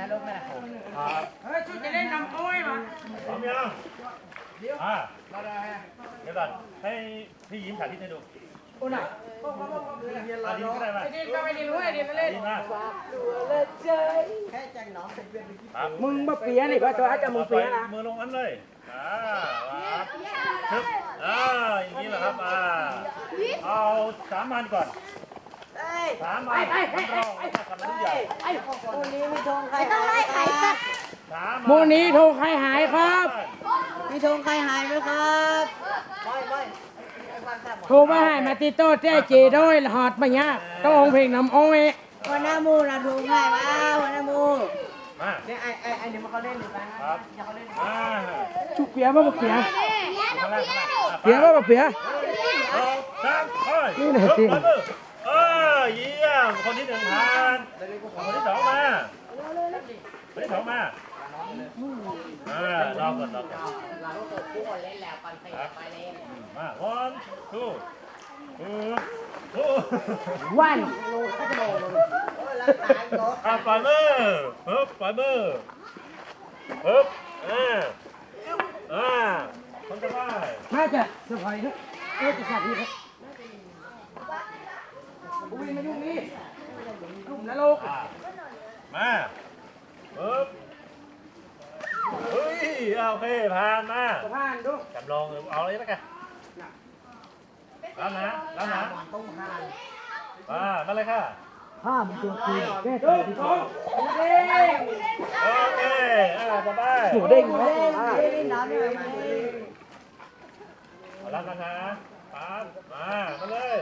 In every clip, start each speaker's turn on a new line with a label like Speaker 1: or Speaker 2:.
Speaker 1: นะลูกแม่ครับ
Speaker 2: เฮ้ยชุดจะเล่นน้ำอ้อยมา
Speaker 3: พร้อมยังเดี๋ยวก่อนให้พี่ยิ้มสาธิตให้ดู
Speaker 2: โอ้น่ะ
Speaker 3: อาดีก็ได้ป่ะ
Speaker 2: ไอ้ดินก็ไม่ดินด้วยไอ้ดินก็เล่น
Speaker 3: ดีมาก
Speaker 1: แค่จังน้องเป็นเพื่อน
Speaker 3: ครับ
Speaker 2: มึงมาเปียนี่ป่ะตัวอาจจะมึงเปียนะ
Speaker 3: มือลงอันเลยครับชึบอย่างนี้แหละครับเอา3 มันก่อน3 มันเราทำทุกอย่าง
Speaker 1: วันนี้มีธงใครต้องไล่ใครครับ
Speaker 3: 3
Speaker 2: โมนี้โทรใครหายครับ
Speaker 1: มีธงใครหายไหมครับไม่
Speaker 2: โทรมาให้มาติโต้แจ้เจด้วยหอดมาเนี่ยต้ององเพลงน้ำอ้อย
Speaker 1: วันน้ามูนะธงใครมาวันน้ามู
Speaker 3: มา
Speaker 1: เนี่ยไอ้เดี๋ยวมาเขาเล่นหรือเปล่า
Speaker 3: ครับ
Speaker 1: อย่าเขาเล่น
Speaker 2: ชุกเปียบ่เปีย
Speaker 3: ข้างล่าง
Speaker 2: เปียบ่เปีย
Speaker 3: 2 3ค่อย
Speaker 2: นี่แหละจริง
Speaker 3: เยี่ยมคนที่1ผ่านคนที่2มาคนที่2มารอก่อนมา1 2
Speaker 2: วัน
Speaker 3: ปล่อยมือปล่อยมือคนจะได้
Speaker 2: น่าจะสบายครับจะสัตว์นี่ครับอุ้ยมายุ่งนี่ลุ่มนรก
Speaker 3: มาเฮ้ยโอเคผ่านมา
Speaker 2: สะพานดู
Speaker 3: จำลองเอาเลยแล้วกันรับนะ
Speaker 1: ต้องหาน
Speaker 3: มาเลยค่ะ
Speaker 1: ห้ามตัวคืนแก้
Speaker 2: ดูสองเด้ง
Speaker 3: โอเคต่อไป
Speaker 2: หมูเด้ง
Speaker 1: เล่นน้ำเนี่ย
Speaker 3: รับนะคะปั๊บมาเลย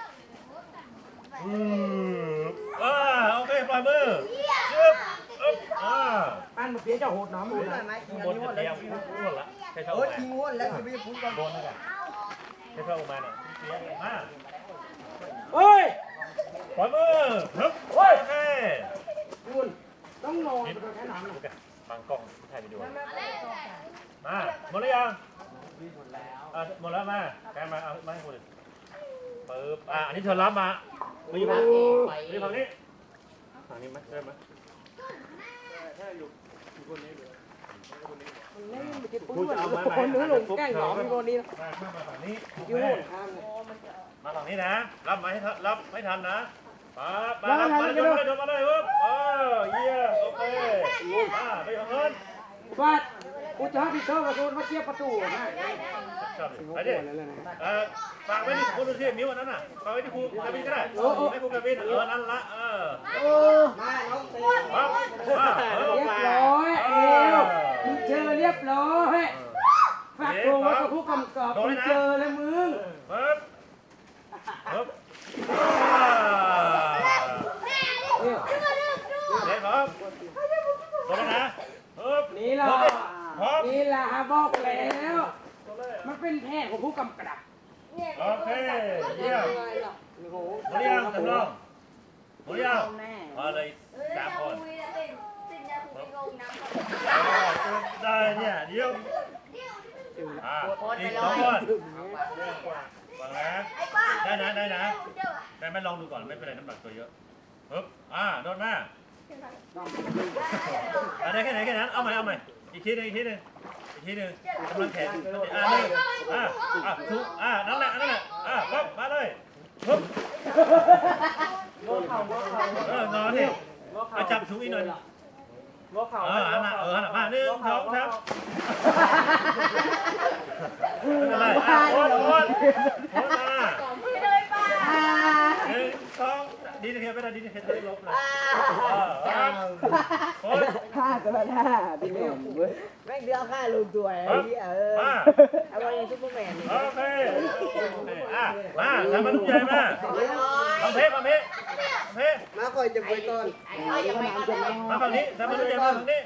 Speaker 3: โอเคปล่อยมือจึ๊บ
Speaker 2: อันเปียจะโหดน้ำหมดเลย
Speaker 3: ข้างบนจะเตรียมพูดละใช่เท่า
Speaker 1: โอ้
Speaker 3: ไหร่
Speaker 1: ทิ้งวนแล้วจะไม่พูดก่อน
Speaker 3: โดนแล้วกันใช่เท่ามาหน่อยมา
Speaker 2: เฮ้ย
Speaker 3: ปล่อยมือฮึบโอเค
Speaker 2: คุณต้องนอนไปแค่น้ำหน่อย
Speaker 3: บางกล้องถ่ายวิดีโอมาหมดหรือยังหมดแล้วมาแกมาเอามาให้คุณปึ๊บอันนี้เธอรับมามีฝั่งนี้ฝั่งนี้ไหมได้ไหม
Speaker 2: คุณจะเอาคนนึงลงแกล้งหนอมมีคนนี้นะ
Speaker 3: มาฝั่งนี้
Speaker 2: ยุ่งข้าง
Speaker 3: มาฝั่งนี้นะรับมาให้รับไม่ทันนะมาเลยโดนมาเลยปึ๊บเยี่ยมโอเคไปเอาเงิน
Speaker 2: ฟาดกูจะให้พี่เชอร์ประตูมาเชียบประตูนะ
Speaker 3: ชอบไปดิฝากไว้ที่คุณดูที่มิ้วนั้นน่ะฝากไว้ที่ครูกระบินก็ได้ให้ครูกระบินนั่นละ
Speaker 1: มาน้องเต้
Speaker 2: เรียบร้อยเอวมึงเจอเรียบร้อยฝากตัวไว้กับผู้กำกับมึงเจอแล้วมึง
Speaker 3: ปึ๊บเด็กครับโดนนะปึ๊บ
Speaker 2: นี่ล่ะนี่ล่ะบอกแล้วมันเป็นแพทย์ของผู้กำกับ
Speaker 3: โอเคเยี่ยมหมดยังจำลองหมดยังมาเลย3 คนได้เนี่ยเดี๋ยวอีก2 คนฟังนะได้นะได้ไหมลองดูก่อนไม่เป็นไรน้ำหนักตัวเยอะปึ๊บโดนมาได้แค่นั้นเอาใหม่อีกทีหนึงกำลังแขนทุกนั่นแหละปึ๊บมาเลยปึ๊บนอนดิจับถุงอีกหน่อยหันมา1 2 3อะไรโอนมาดีนะเทียบไม่ได้ดีนะเทียบได้ลบเลย
Speaker 2: ฆ่ากันท่าพี่น้องเว้ย
Speaker 1: แม่งเดือดค่าลงตัวไอ้เหี้ยเอาไปซุปเปอร์แมน
Speaker 3: โอเคมาทำมาลูกใหญ่มาทำเพชร
Speaker 1: มาคอยจะไปก่อน
Speaker 3: มาฝั่งนี้ทำมาลูกใหญ่มาฝั่งนี้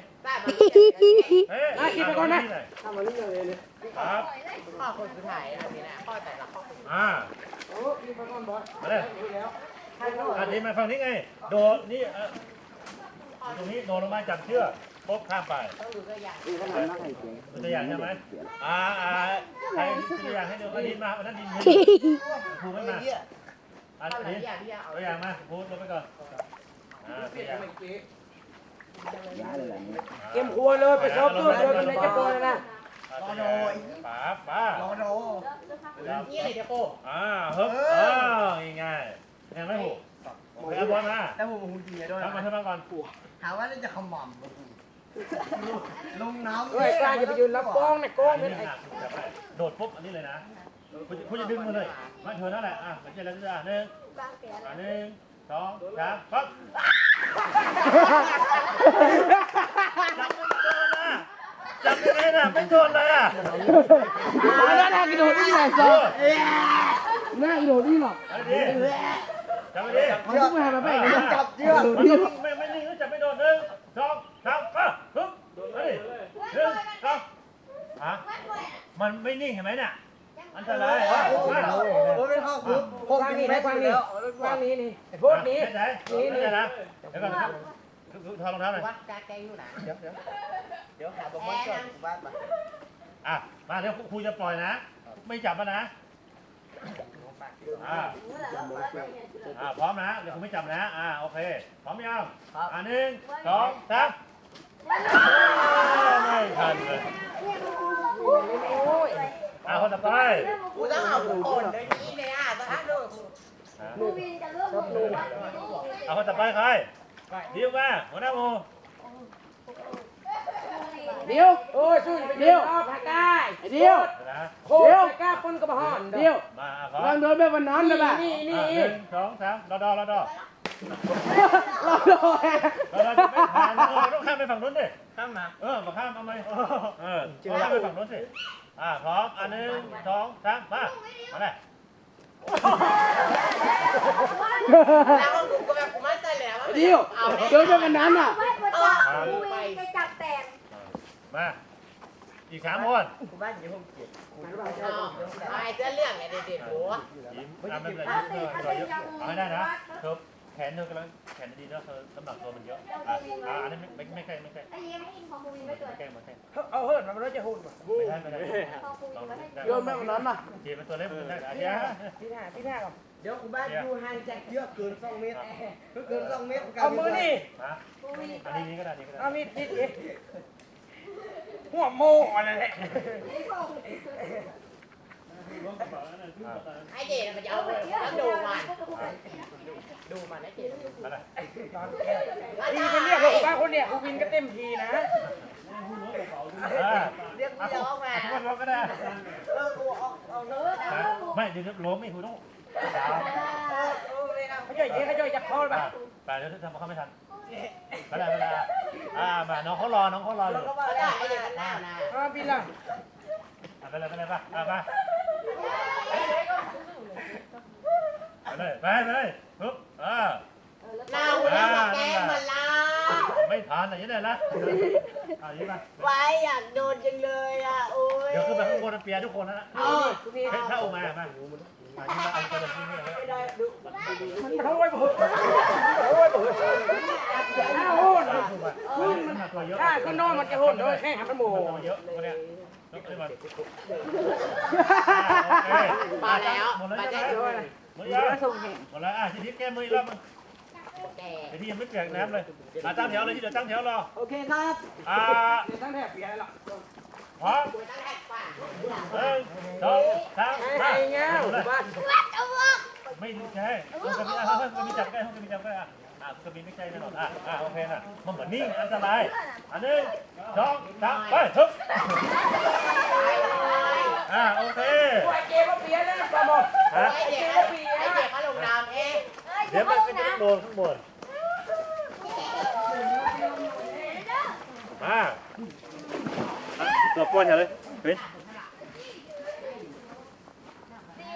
Speaker 3: คิดไปก่อนนะทำมาลูกใหญ่เลยครับ
Speaker 1: ข้อคนสุดท้ายอันนี้นะข้อแต่ละข้อคน
Speaker 2: โอ้ยไปก่อนบอส
Speaker 3: มาเลยอันนี้มาฝั่งนี้ไงโดดนี่ตรงนี้โดดลงมาจับเชือกปุ๊บข้ามไปดูตัวอย่างใช่ไหมใครตัวอย่างให้ดูอันนี้มาอันนั้นดินครูไม่มาอันนี้ตัวอย่างมาครูลงไปก่อนตัวอย่าง
Speaker 2: เก็มครัวเลยไปซ้อมตัวเดียวในจะโกนนะ
Speaker 3: ป๋าป๋าร
Speaker 1: อโด
Speaker 4: นี่เลยเดี๋ยวโก้
Speaker 3: ฮึบง่ายๆยังไม่หูไปเอาบอลมา
Speaker 1: แล้วผมหูดีด้วย
Speaker 3: ทำมาทำมาก่อน
Speaker 1: ถามว่าจะขมำลงน้ำ
Speaker 2: เฮ้ยกล้าจะไปยืนรับกล้องนะกล้องเป็นไอ้
Speaker 3: โดดปุ๊บอันนี้เลยนะคุณจะดึงมาเลยมาเธอนั่นแหละมันจะแล้วจะหนึ่ง2 3ปั๊บจับยังไงน่ะไม่โดนเลยอ่ะ
Speaker 2: น่ากินโดดนี่ไงซอน่ากินโดดนี่หรอก
Speaker 3: จับไปดิ
Speaker 2: เขาต้องมาแบบไหน
Speaker 1: จับเชือก
Speaker 3: ไม่นิ่งจับไม่โดน1 2 3ปั๊บฮึบเฮ้ย1 2มันไม่นิ่งเห็นไหมเนี่ยอันตราย
Speaker 1: ผมไม่เข้าคุกผม
Speaker 2: กว้าง
Speaker 1: กิ
Speaker 2: นี่
Speaker 1: น
Speaker 2: นะ
Speaker 1: ไม่
Speaker 2: กว้าง
Speaker 1: แล้
Speaker 2: นี่
Speaker 1: ว
Speaker 2: กว้างนี้นี่ไอ้พวกนี้
Speaker 3: ไหนนะเดี๋ยวก่อนครับถอดรองเท้าหน่อย
Speaker 4: วัดกาแกอยู่ไหน
Speaker 1: เดี๋ยวหาบอลก่อนบ้านมา
Speaker 3: มาเดี๋ยวครูจะปล่อยนะ ไม่จับแล้วนะพร้อมนะเดี๋ยวครูไม่จับนะโอเคพร้อมยัง1 2 3ไม่ทันเลยคนต่อไป
Speaker 4: กูต้องเอาทุกคนเลยนี่เลยสถานดู
Speaker 3: คนต่อไปใครดิวมาหัวหน้าโม
Speaker 2: เดี๋ยวโอ้ยสู้ไปเดี๋ยวผักกายเดี๋ยว
Speaker 3: นะ
Speaker 2: โคตรกล้าคนกับห่อนเดี๋ยว
Speaker 3: มา
Speaker 2: ลองโดนแบบวันนั้นนะบ้านี่
Speaker 3: 1 2 3รอดอ
Speaker 2: เราโดน
Speaker 3: เราจะไม่ผ่านต้องข้ามไปฝั่งนู้นดิ
Speaker 1: ข้ามมา
Speaker 3: มาข้ามเอาไหมข้ามไปฝั่งนู้นสิพร้อม1 2 3มาเลย
Speaker 4: แล้วก็ดูก็แบบกูมั่นใจแล้วว่า
Speaker 2: เดี๋ยวโดนแบบวันนั้นอ่ะ
Speaker 5: ไปจับแตง
Speaker 3: มาอีก3 คน
Speaker 1: กูบ้านอยู่ห้องเจ็ด
Speaker 4: ไอ้เสื้อเรื่องไงเด็ดๆหัว
Speaker 3: ยิ้มไม่เป็นไรยิ้มเยอะเอาให้ได้นะเธอแขนเธอกำลังแขนดีแล้วเธอน้ำหนักตัวมันเยอะอันนี้ไม่ใกล้
Speaker 5: ไอ้ยังไม่อินของบูวินไม่เกิด
Speaker 3: ใกล้มาใกล้
Speaker 2: เอาเฮิร์ดมันไม่ได้หุ่นป่ะ
Speaker 3: ไม่ได้
Speaker 5: ของบูวินไม่ให้
Speaker 2: โยนแบบวันนั้นป่ะ
Speaker 3: เจียเป็นตัวเล็กมันได้อาเจีย
Speaker 2: ที่หน้าก่อน
Speaker 1: เดี๋ยวกูบ้านอยู่ห่างจากเชือกเกิน2 เมตรเกิน2 เมตร
Speaker 2: เอามือนี่
Speaker 5: บูวิน
Speaker 3: อันนี้ก็ได้นี่ก็ได้
Speaker 2: เอามีดติดเองหัวโมอะไรแหละ
Speaker 4: ไอ้เจนมันจะเอาแล้วดูมันดูมันไอ้เจน
Speaker 3: อะไร
Speaker 2: ทีเป็นเรียกผมบ้าคนเนี่ยกูวินก็เต็มทีนะ
Speaker 4: เรียกกูร้องมา
Speaker 3: ทุกคนร้องก็ได้
Speaker 1: กูเอาเนื้อ
Speaker 3: ไม่เดี๋ยวล้มไม่คุณต้อง
Speaker 2: เขาจ่อยเจ๊เขาจ่อยจับคอเลยป่ะ
Speaker 3: ไปเดี๋ยวทำเขาไม่ทันไม่ได้มาน้องเขารออยู่
Speaker 4: ก็ได้ไอ้เจนมันหน้านะ
Speaker 2: บินล่ะ
Speaker 3: ไปเลยป่ะมาไปเลยปึ๊บ
Speaker 4: หน้าหัวกับแก้มมันละ
Speaker 3: ไม่ทันอะไรยังไงล่ะยิ้มมา
Speaker 4: ไว้อยากโดนจังเลยโอ้ย
Speaker 3: เดี๋ยวขึ้นไปข้างบนเปียทุกคนนะถ้าออกมามายิ้มมาเอากระดาษที่นี่เลย
Speaker 2: มันเท่าไว้เบิดถ้าโหด
Speaker 3: มันหนักตัวเยอะ
Speaker 2: ถ้าก็นอนมันจะโหดโดยแค่หันโม
Speaker 3: เยอะคนเนี้ยยกขึ้นมา
Speaker 4: มาแล้ว
Speaker 3: หมดแล้ว
Speaker 4: มา
Speaker 3: ใช่
Speaker 4: ได้
Speaker 3: ไหม
Speaker 4: ด้วย
Speaker 3: หมดแล้วหมดแล้วทีนี้แก้มือแล้วมึง
Speaker 4: แก
Speaker 3: ไอ้ที่ยังไม่เปียกน้ำเลยตั้งแถวเลยที่เดี๋ยวตั้งแถวรอ
Speaker 1: โอเคครับ
Speaker 2: ตั้งแถบเปียหรอก
Speaker 3: พร้อม
Speaker 4: กูตั้งแท็กป่ะ
Speaker 3: 1 2 3
Speaker 2: ไอ้เงี้ยบ้าน
Speaker 3: ไม่ใช่ก็มีจับใกล้ก็มีจับใกล้ก็มีไม่ใช่แน่นอนโอเคนะมันเหมือนนิ่งอันตราย1 2 3ไปทุบโอเค
Speaker 2: ไอ้เจ๊ก็เปียแล้วปลาหมด
Speaker 4: ไอ้เด็กเขาลงน้ำเอง
Speaker 3: เดี๋ยวมันก็จะโดนข้างบนตัวป้อนอย่าเลยเฮ้ย